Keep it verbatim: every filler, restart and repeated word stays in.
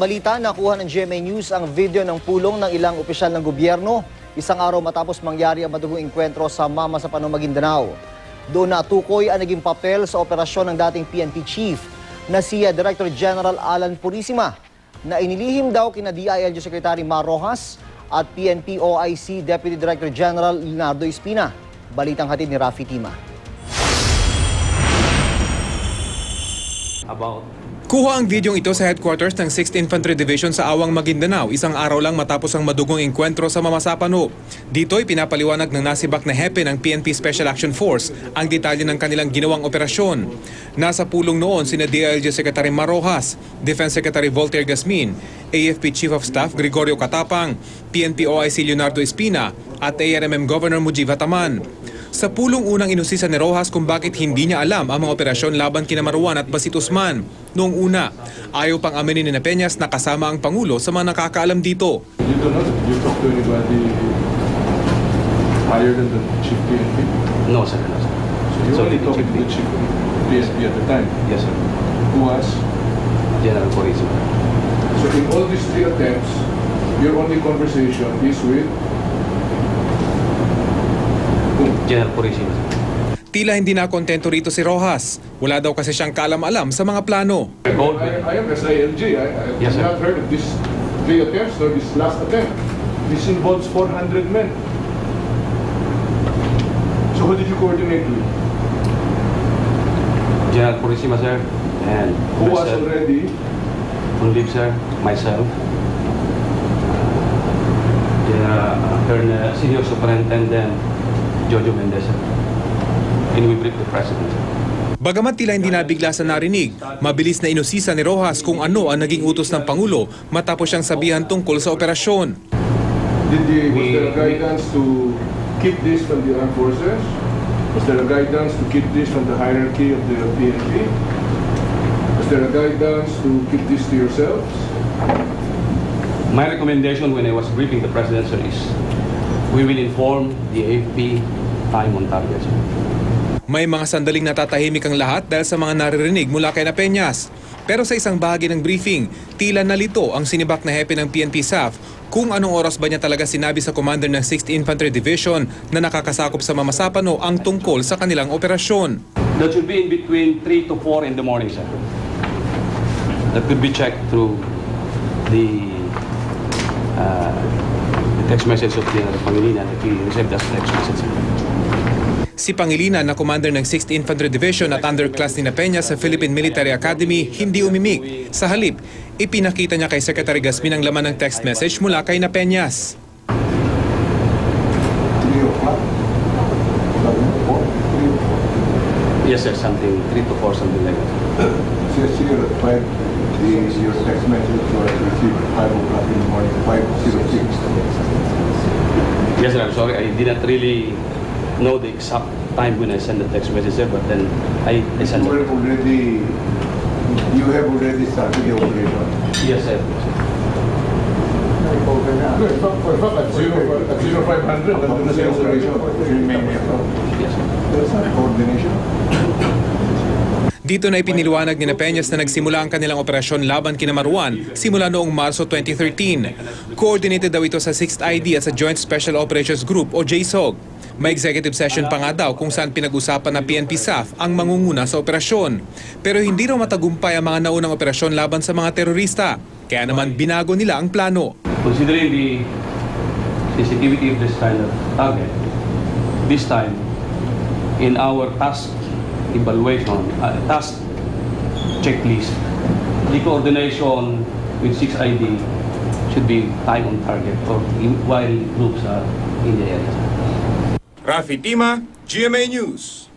balita, nakuha ng G M A News ang video ng pulong ng ilang opisyal ng gobyerno isang araw matapos mangyari ang madugong engkwentro sa Mama sa Pano, Maguindanao. Doon natukoy ang naging papel sa operasyon ng dating P N P Chief na si Director General Alan Purisima na inilihim daw kina D I L G Secretary Mar Rojas at P N P O I C Deputy Director General Leonardo Espina. Balitang hatid ni Rafi Tima. About Kuha ang videong ito sa headquarters ng sixth Infantry Division sa Awang, Maguindanao, isang araw lang matapos ang madugong engkwentro sa Mama sa Pano. Dito'y pinapaliwanag ng nasibak na hepe ng P N P Special Action Force ang detalye ng kanilang ginawang operasyon. Nasa pulong noon sina D I L G Secretary Mar Rojas, Defense Secretary Voltaire Gasmin, A F P Chief of Staff Gregorio Catapang, P N P O I C Leonardo Espina at A R M M Governor Mujib Ataman. Sa pulong unang inusisa ni Rojas kung bakit hindi niya alam ang mga operasyon laban kina Marwan at Basit Usman. Noong una, ayaw pang aminin ni Peñas na kasama ang Pangulo sa mga nakakaalam dito. You don't know? You talk to anybody higher than the chief P N P? no, sir, no, sir. So you So, only the talked chief to the chief P S P at the time, Yes, sir. who was? General Purisima. So in all these three attempts, your only conversation is with whom? General Purisima, sir. Tila hindi na kontento rito si Rojas. Wala daw kasi siyang kaalam-alam sa mga plano. I, I am S I L G. I, I Yes, have sir. not heard of this three attempts or this last attempt. This involves four hundred men. So who did you coordinate with? General Purisima, sir. And Who was myself, already? on leave, sir. Myself. General uh, Colonel, Senior Superintendent Jojo Mendez, sir. And we briefed the President, sir. Bagamat tila hindi nabigla sa narinig, mabilis na inusisa ni Rojas kung ano ang naging utos ng Pangulo matapos siyang sabihan tungkol sa operasyon. Did the, was We- there a guidance to keep this from the armed forces? Was there a guidance to keep this from the hierarchy of the P N P? Was there a guidance to keep this to yourselves? My recommendation when I was briefing the President, sir, is we will inform the A F P time on target, sir. May mga sandaling natatahimik ang lahat dahil sa mga naririnig mula kay Peñas. Pero sa isang bahagi ng briefing, tila nalito ang sinibak na hepe ng P N P S A F kung anong oras ba niya talaga sinabi sa commander ng sixth Infantry Division na nakakasakop sa Mama sa Pano ang tungkol sa kanilang operasyon. That should be in between three to four in the morning, sir. That could be checked through the, uh, the text message of General Pangilinan if he received that text message, sir. Si Pangilinan na commander ng sixth Infantry Division at underclass ni Peñas sa Philippine Military Academy hindi umimik. Sa halip, ipinakita niya kay Secretary Gasmin ang laman ng text message mula kay Peñas. Yes, sir, something, three to four, something like that. Says here at five, the, your text message was received at five o'clock in the morning, five zero six. Yes, sir, I'm sorry, I didn't really know the exact time when I sent the text message, sir, but then I, I You sent were it. already, you have already started the operation. Yes, sir. Good. For fact, at zero, at zero five hundred, nandun na sa operation. Yes, sir. There's not coordination. Dito na ipiniliwanag ni Peñas na nagsimula ang kanilang operasyon laban kina Marwan simula noong Marso twenty thirteen. Coordinated daw ito sa sixth I D at sa Joint Special Operations Group o J S O G. May executive session pa nga daw kung saan pinag-usapan na P N P S A F ang mangunguna sa operasyon. Pero hindi raw matagumpay ang mga naunang operasyon laban sa mga terorista. Kaya naman binago nila ang plano. Considering the sensitivity of this kind of target, this time, in our task evaluation, uh, task checklist, the coordination with six I D should be time on target or in, while groups are in the area. Rafi Tima, G M A News.